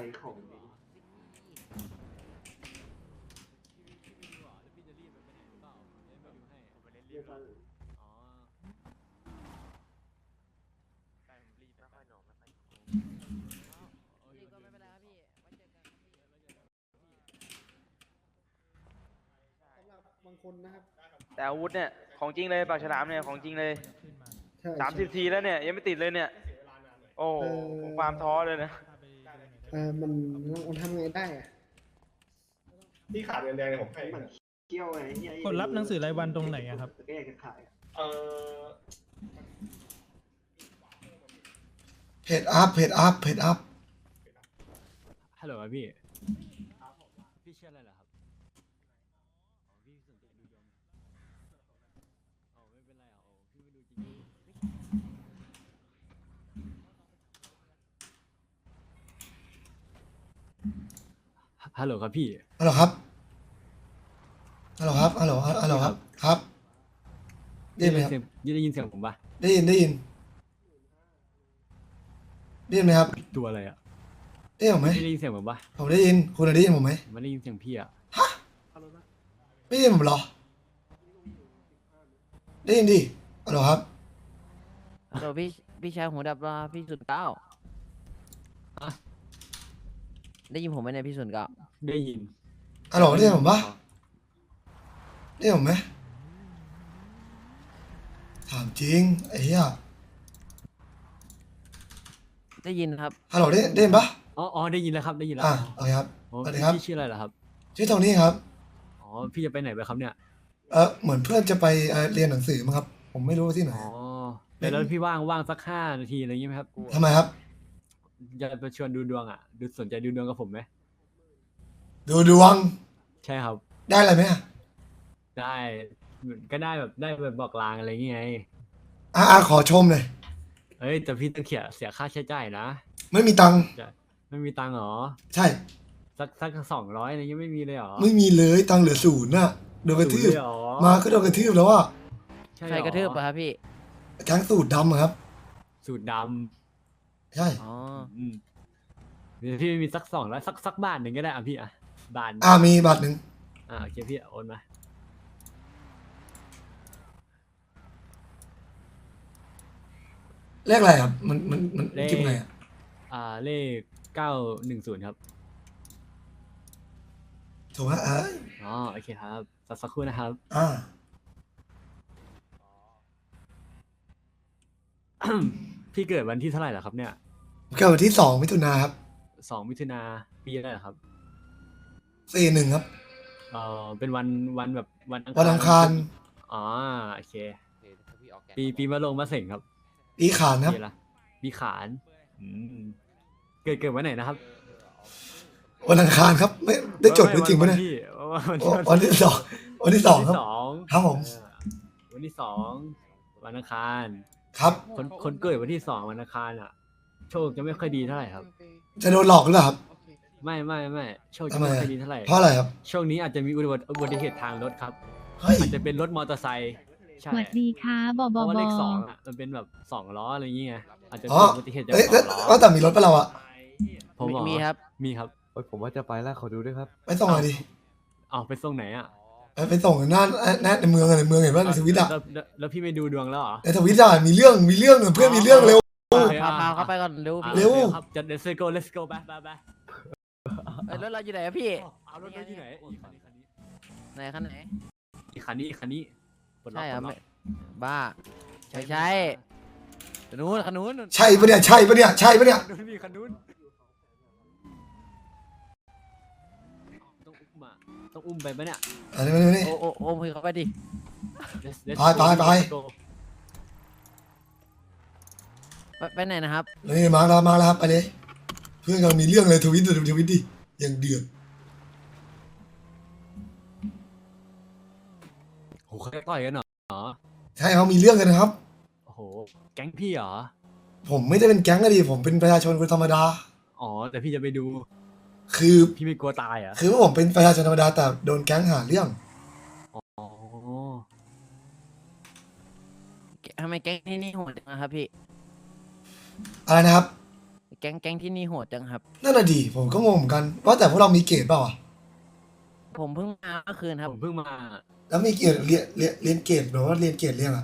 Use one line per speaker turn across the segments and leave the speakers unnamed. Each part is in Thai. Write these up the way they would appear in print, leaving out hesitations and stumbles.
ของเรียกว่า บางคนนะครับ
แต่อาวุธเนี่ยของจริงเลยปากฉลามเนี่ยของจริงเลย
ใช่
30 ทีแล้วเนี่ยยังไม่ติดเลยเนี่ยโอ้ผมฟาร์มท้อเลยนะ
มันทำไงได้อะ
ที่ขาดเงินแดงเนี่ยผมให้
มันเกี่ยวไงเหี้ย
กดรับหนังสือรายวันตรงไหนอะครับ
แก้กันขาย
เออ
เพจอัพเพจอัพเพจอัพ
ฮัลโหลครับพี่พี่เชื่ออะไรเหรอครับพี่สนใจดูยมไม่เป็นไรพี่ไม่ดูจริงฮัลโหลครับพี่
ฮัลโหลครับฮัลโหลครับฮัลโหลฮัลโหลครับครับได้ยินไหมครับ
ได้ยินเสียงผมปะ
ได้ยินได้ยินได้ยินไหมครับ
ตัวอะไรอ่ะ
ได้ยินผมไหม
ไม่ได้ยินเสียงผมปะ
ผมได้ยินคุณได้ยินผมไหม
ผมไม่ได้ยินเสียงพี่อ่ะ
ไม่ได้ยินผมเหรอได้ยินดิฮัลโหลครับ
เดี๋ยวพี่ชายหูดับว่าพี่ศูนย์เก้าได้ยินผมไหมเนี่ยพี่ศูนย์เก้า
ได้ยิน
ฮัลโหลได้ยินผมปะได้ยินผมไหมถามจริงไอ้เหี้ย
ได้ยินครับ
ฮัลโหลได้ยินปะ
อ๋อได้ยินแล้วครับได้ยินแล้ว
โอเคครับ
โอ้
สวัสดีครับ
พี่ชื่ออะไรเหรอครับ
ชื่อโทนี่ครับ
อ๋อพี่จะไปไหนไปครับเนี่ย
เหมือนเพื่อนจะไปเรียนหนังสือมั้งครับ ผมไม่รู้ว่าที่ไหน
อ๋อแล้วพี่ว่างสัก5 นาทีอะไรอย่างงี้ไหมครับ
ทำไมครับ
จะไปชวนดูดวงอ่ะสนใจดูดวงกับผมไหม
ดูดวง
ใช่ครับ
ได้อะไรไหมอะ
ได้ก็ได้แบบบอกลางอะไรอย่างเงี้ย
ขอชมเลย
เอ้ยแต่พี่ต้องเสียค่าใช้จ่ายนะ
ไม่มีตังค์
ไม่มีตังค์เหรอ
ใช่
สัก200อะไรเงี้ยไม่มีเลยเหรอ
ไม่มีเลยตังค์เหลือศูนย์น่ะโดนกระทืบ
0เลยเหรอ
มาก็โดนกระทืบแล้วอ่ะ
ใช่
ใครกระทืบอะครับพี่
แก๊งสูตรดำอะครับ
สูตรด
ใช่
อ๋อ
ำเดี๋ยวพี่มีสัก200สักบาทหนึ่งก็ได้อ่ะพี่อ่ะบาท
มีบัตรหนึ่ง
โอเคพี่โอนมา
เลขอะไรครับ มันคิดไงอ่ะ
เลข910ครับ
ถูกไหม
อ๋อโอเคครับสักครู่นะครับ พี่เกิดวันที่เท่าไหร่เหรอครับเนี่ย
เกิดวันที่2 มิถุนาครับ
2 มิถุนาปีอะไรเหรอครับ
41ครับ
เป็นวันแบบวัน
วันอังคาร
อ๋อโอเคปีมะโรงมะเสงครับ
ปีขานครับ
ปีละปีขานอืมเกิดวันไหนนะครับ
วันอังคารครับ ไม่ได้จดไว้จริงปะเนี่ย
วันที่
วันที่สองครับ ครับผม
วันที่ 2วันอังคาร
ครับ
คนเกิดวันที่2วันอังคารอ่ะ โชคจะไม่ค่อยดีเท่าไหร่ครับ
จะโดนหลอกหรือเปล่าครับ
ไม่โชค
ทำ
จะ
ไม
ไม่
อะ
ค่อยดีเท่าไหร่
เพราะอะไรครับ
ช่วงนี้อาจจะมีอุบัติเหตุทางรถครับ
เฮ้ย
อาจจะเป็นรถมอเตอร์ไซค์ใช่
สวัสดีค่ะบอ
เพ
บอ
ราะว่า
บ
เล
อ
ข2อ่ะมันเป็นแบบ2 ล้ออะไรอย่างเงี้ยอาจจะ
อ๋
เกิ
อ
ดอุบัติเหตุจาก
เอ้ย
2 ล้อ
แต่มีรถปะเราอะ
ผมเหรอ
มีครับ
มีครับ
ผมว่าจะไปแล้วขอดูด้วยครับ
ไปส่งหน่อยดิ
ไปส่งไหนอ่ะ
ไปส่งหน้าในเมืองอะในเมืองเห็นป่ะในทวิตอะ
แล้วพี่ไม่ดูดวงแล้วเหรอ
ในทวิตอะมีเรื่องเพื่อนมีเรื่องเร็ว
โอเค
พาเข้าไปก่อนเร็วพี่
เร็ว
ครับจะ let's go ไป
เอ้ยรถเราอยู่ไหนอะพี่
เอารถอยู่ไหนอีกคันนี้
ไหนคันไหน
อีกคันนี้ปลดล็อก
ใช่ครับ
ปลดล็
ไม่
อก
บ้าใช่คันนู้นคันนู้น
ใช่ปะเนี่ยใช่ปะเนี่ยใช่ปะเนี่ย
คันนู้นมีคันนู้นต้องอุ้มอ่ะต้องอุ้มไปปะเนี่ย
อันนี้
โอ้พี่เข้าไปดิ
Let's
ไป
Let's go
ไปไหนนะครับ
นี่มาแล้วครับไปเลยเพื่อนกำลังมีเรื่องเลยทวิตดิอย่างเดือด
โหเขาจะต่อยกันเหรอ
ใช่เขามีเรื่องกันนะครับ
โอ้โหแก๊งพี่เหรอ
ผมไม่ได้เป็นแก๊งอะดิผมเป็นประชาชนคนธรรมดา
อ๋อแต่พี่จะไปดู
คือ
พี่ไม่กลัวตายเหรอ่ะ
คือว่าผมเป็นประชาชนธรรมดาแต่โดนแก๊งหาเรื่อง
อ๋อ
ทำไมแก๊งที่นี่โหดจังอะครับพี่
อะไรนะครับ
แก๊งที่นี่โหดจังครับ
นั่นน่ะดีผมก็งงเหมือนกันว่าแต่พวกเรามีเกรดเปล่าอ่ะ
ผมเพิ่งมาเมื่อคืนครับ
ผมเพิ่งมา
แล้วมีเกรดเรียนเกรดหรือว่าเรียนเกรดเรียงอ่ะ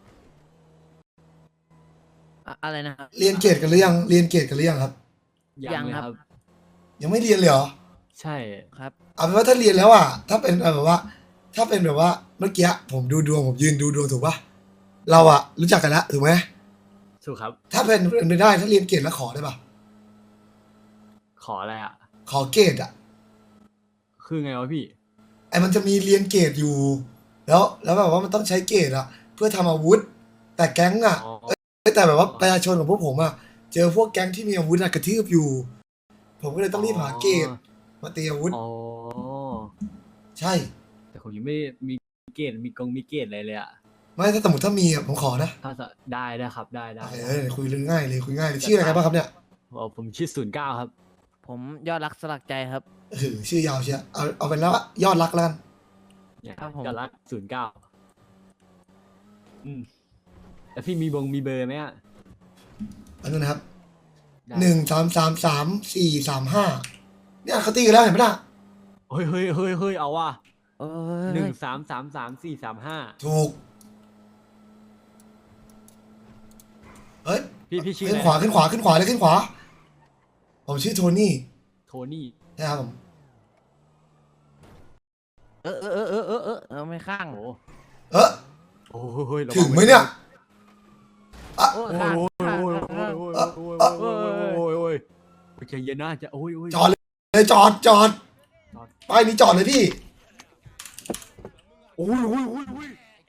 อะไรนะครับ
เรียนเกรดกันหรือยังเรียนเกรดกันหรือยังครับ
ยังครับ
ยังไม่เรียนเลยเหรอ
ใช่
ครับ
เอาเป็นว่าถ้าเรียนแล้วอ่ะถ้าเป็นแบบว่า ถ้าเป็นแบบว่าเมื่อกี้ผมดูดวงผมยืนดูดวงถูกปะเราอ่ะรู้จักกันแล้วถูกไหม
ถูกครับ
ถ้าเป็นไปได้ถ้าเรียนเกรดแล้วขอได้ปะ
ขออะไรอ่ะ
ขอเกรดอ่ะ
คือไงวะพี่
ไอ้มันจะมีเรียนเกรดอยู่ แล้วแบบว่ามันต้องใช้เกรดอ่ะ เพื่อทำอาวุธ แต่แก๊งอ่ะ
อ๋อ
แต่แบบว่าประชาชนของพวกผมอ่ะเจอพวกแก๊งที่มีอาวุธอะกระทืบอยู่ ผมก็เลยต้องรีบหาเกรดมาตีอาวุธ
อ๋อ
ใช่
แต่ผมยังไม่มีเกรดมีเกรดอะไรเลยอ่ะ
ไม่ถ้าสมมติถ้ามีอ่ะผมขอนะ
ถ้าได้ครับได้
คุยเรื่องง่ายเลยคุยง่ายเลยชื่ออะไรกันบ้างครับเนี่ย
ผมชื่อ09ครับ
ผมยอดรักสลักใจครับ
ชื่อยาวเชียเอาเป็นแล้วว่ายอดรักแล้วกัน
เนี่ย
ครับผม
ยอดรัก09แล้วพี่มีเบอร์ไหมอ่ะ
อันนั้นนะครับ
ได้
1333435เนี่ยเขาตีกันแล้วเห็นไหมล่ะ
เฮ้ยเอาว่ะ
เออ
1333435
ถูกเฮ้ย
พี่ชื่อ
ขึ้
อะ
น
ไร
ขวาขึ้นขวาขึ้นขวาเลยขึ้นขวา ผมชื่อโทนี่
โทนี่
นะครับผม
ไม่ข้าง
โอ้
เอ๊ะ
โอ้ยระวั
ถึงไหมเนี่ยอ่ะ
โอ้ข้าง
โอ้ยใจเย็นนะจะโอ้ย
จอดเลยจอดป้ายนี้จอดเลยพี่
โอ้ย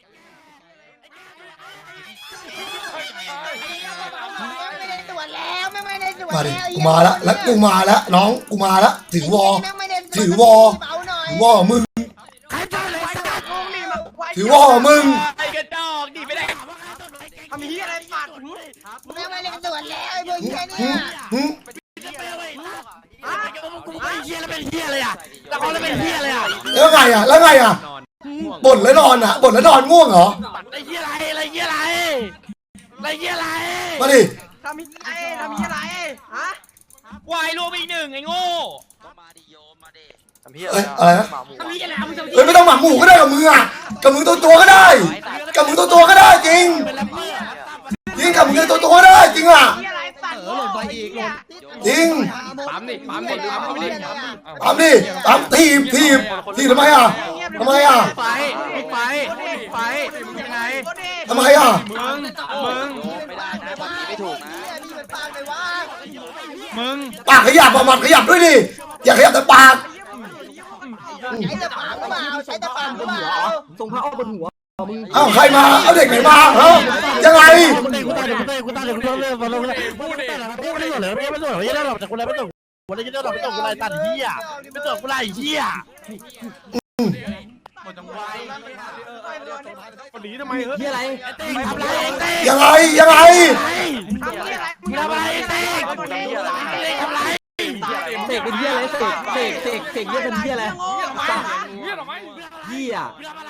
ไม่ได้ตรวจแล้วไม่ได้ตรวจ
มาดิ
แล้ว
กูมาแล้วแล้วกูมาแล้วน้องกูมาแล้วถือวอ
ไม่ได้ตรจ
ถือวอ
เบาหน่อย
ถือวอมึง
ใครตรวจเลยสัตว์
ถือวอมึง
ไอ้กระจอกดิไปได้ทำเฮียอะไรปาด
ไม่ได้ตรวจแล้วไอ้พวกเหี้ยเนี่
หึ
ย
หึ
เฮียแล้วเป็นเฮียเลยอ่ะแล้วเขาแล้วเป็นเฮียเลยอ่ะ
แล้วไงอ่ะบ่นแล้วนอนอ่ะบ่นแล้วนอนง่วงเหรอ
ไอ้เฮียอะไรเฮียอะไร
มาดิ
ทำเฮียอะไรฮะวายรวมอีกหนึ่งไอ้โง่ทำเฮีย
เอ้ยอะไรนะ
ทำเฮียอะไรมึงทำเฮี
เอ้
ย
ยไม่ต้องหมาหมูก็ได้กับมืออ่ะกับมือตัวก็ได้กับมือตัวก็ได้จริงจริงกับมือตัวก็ได้จริงอ่ะ
เหี้ยอะไรสัตว์หล่นไปอีกหล่น
จริง
ปั๊มดิปั๊มดิ
ปั๊มทีบทำไมอ่ะทำไมอ่ะ
ไปยังไง
ทำไมอ่ะ
มึง
ไม่ได้นะบอกไม่ถูกนะนี่มันปากเลยวะ
มึง
ปากขยับอ่ะมันขยับด้วยดิอย่าขยับแต่ปาก
ใช้แต่ปากหรือเปล่าใช้แต่ปากหรือเปล่า
ทรงพระอ้อมบนหัว
เอ้าใครมาเอาเด็กไหนมาเอ้ายังไง
กูตายเลยมาลงเลยพูดไม่ได้เลยไม่ส่วนไม่ได้หรอกจากคนไรไม่ส่งวันนี้จะหรอกไม่ส่งกูไรตัดเหี้ยไม่ส่งกูไรเหี้ย
คนหนีทำไมเฮ้ย
เหี้ยอะไรทำไรเต้
ยังไง
ทำอะไร
ทำไรเต้ทำไรเสกเป็นเหี้ยอะไรเสกเหี้ยเป็นเหี้ยอะไรเหี้ย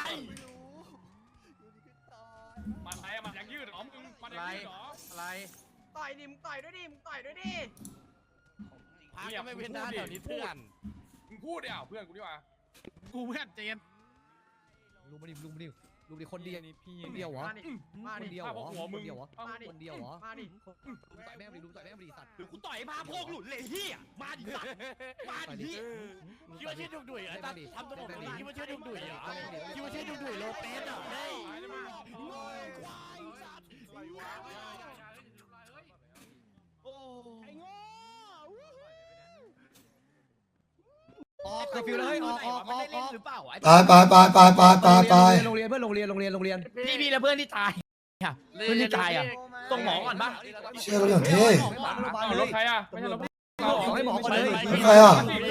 ต่อยดิมึงต่อยด้วยดิมึงต่อยด้วยดิ
พักก็ไม่เป็นหน้าแถวนี้เพื่อนมึงพูดดิเพื่อนกูดีกว่ากูเพื่อนเจนลุงมาดิคนเดียวนี่พี่คนเดียวเหรอ
มาดิ
คนเดียวเหรอ
หัวมึง
คนเดียวเหรอ
มาดิ
ต่อยแม่งดิลุงต่อยแม่งดิสัตว์
หรือกูต่อยพาพวกหลุดเลยเฮียมาดิมาดิคิดว่าชื่อดุดุยอ่ะทำตัวแบบนี้คิดว่าชื่อดุดุยอ่ะคิดว่าชื่อดุดุยโลเปสอ่ะเฮ้ย
ออกเคอร์ฟิวเลยออกหรือเปล่า
ไป
โรงเรียนเพื่อนโรงเรียน
พี่แล้วเพื่อนที่ตายอ่ะเพื่อนที่ตายอ่ะส่งหมอก่อนปะ
เชื่อกันอย่างเท่
รถใครอ่ะไม่ใช่รถเราออกให้หมอก่อนเลย
ใครอ่ะ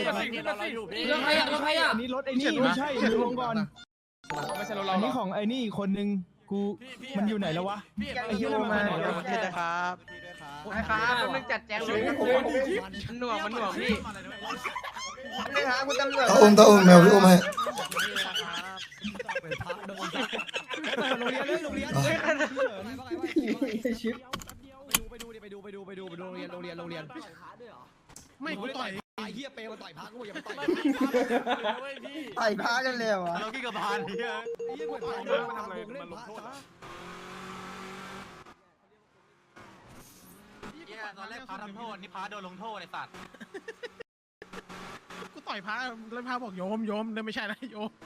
อันนี้รถไอ้นี่ไม่ใช่ดูลงก่อน
ไม่ใช่รถ
อั
เรา
นนี้ของไอ้นี่อีกคนนึงกูมันอยู่ไหนแล้ววะไอ้เหี้ยมันมาไหนแล้ววะ
นะครับมึงจัดแจงเลยมันหน่วงพี่
นี่ฮะคุณตำรวจ
ตาอุ้มแมวพี่อุ้มให้
โรงเรียนเลยโรงเรียน
ชิป
ไปดูโรงเรียนกูต่อยไอ้เหี้ยเปย์มาต่อยพักกูอย่าไปต่อย
ต่อยพากันเลยวะ
เรากินกับพานเฮีย
ไอ้เหี้ยกูต่อยมาทำอะไรมันลงโทษ
ตอนแรกพาทำโทษนี่พาโดนลงโทษไอ้สัตว์
กูต่อยพาแล้วพาบอกโยมนั่นไม่ใช่นะโยม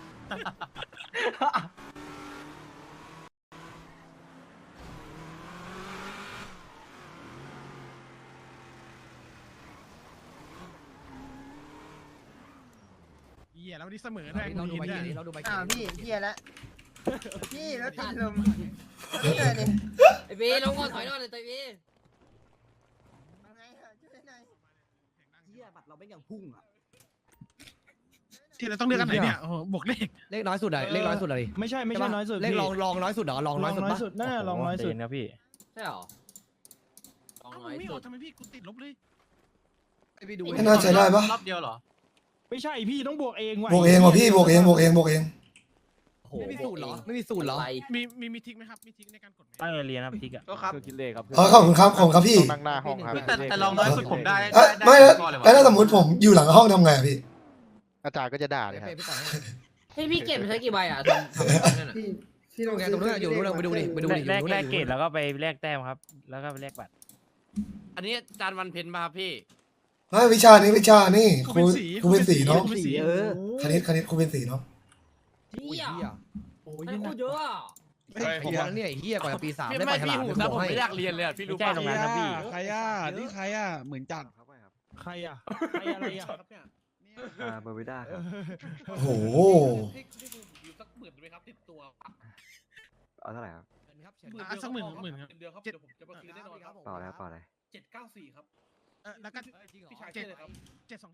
เหี้ยแล้ววันนี้เสมอด้วยเราดูไปกี่เราดูไป
อ้า
กี่
วพี่เฮียแล้วพี่แล้วติดลมนี่ไงนี่
ไอ้บีลงก่อนถอยก่อนเลยตัวบี
เอาไงอะช่วยหน่อย
เฮียบัตรเราเป็นอย่างพุ่งอ่ะ
ที่เราต้องเลือกกันไหนเนี่ยโอ้โหบวกเลข
เลขน้อยสุดอะเลขน้อยสุดอะไรไม่ใช่น้อยสุดเลขลองน้อยสุดเหรอลองน้อยสุดน่าลองน้อยสุดนะพี่
ใช่หรอลอง
เอ้า
น้อย
ไม่
สุ
เอา
ด
ทำไมพี่กูติดลบเลย
ไปดู
ไม่น่าใช้ได้ปะ
รอบเดียวเหรอ
ไม่ใช่พี่ต้องบวกเองว่ะ
บวกเองว่ะพี่บวกเอง
ไม่มีสูตรเหรอไม่มีสูตรเหรอ
มีทิกไหมครับมีทิกในการกดไหม
ตั้งเรียนครับทิกอะ
ก็ครับ
คือคิดเลขครับ
อ๋อขอบคุณครับพี่
นั่งหน้าห้องครับ
แต่ลองน้อยสุดผมได้
ไม่แล้วถ้าสมมติผมอยู่หลังห้องทำไงอะพี่
อาจารย์ก็จะด่าเลยครับ
ให้พี่เก็บใช้กี่ใบอ่ะทำนั่นน่ะ
พี่ลอง
ไงตรงนั้นอยู่นู้นไปดูดิไปดูดิ
แลกเกรดแล้วก็ไปแลกแต้มครับ แล้วก็ไปแลกบัตร
อันนี้จานวันเพ็ญมาครับพี่
ไม่วิชานี่ครูเป็นสีเนาะ
กูเป็นสี
คณิตครูเป็นสีเนาะ
เฮีย
โอ้ย
ให้พูดเยอะอ่ะ
ผมว่าเนี่ยเฮียกว่าปี3
พี่
ได้
ไม่
ไปฉ
พี่
ลาด
หู
ผม
ซะ
บ
ผ
อก
ม
ให้
ไม่อยากเรียนเลยพี่รู้
ไม่ใช่
ป่ะ
ตรงนั้นครับพี่
ใครอ่ะนี่ใครอ่ะเหมือนจัด
ใครอ่ะใครอะไรอ่ะ
เบอร์วิด้าครับ
โอ้โห
สักหมื่นไหมครับติดตัว
เอาเท่าไหร่ครับ
สักหมื่นครับ
เดียวครับเดี๋ยวผมจะมาคืนแน่นอนครับ
เปล่าแล้วเปล่าอะไร
794ครับแล้วก็727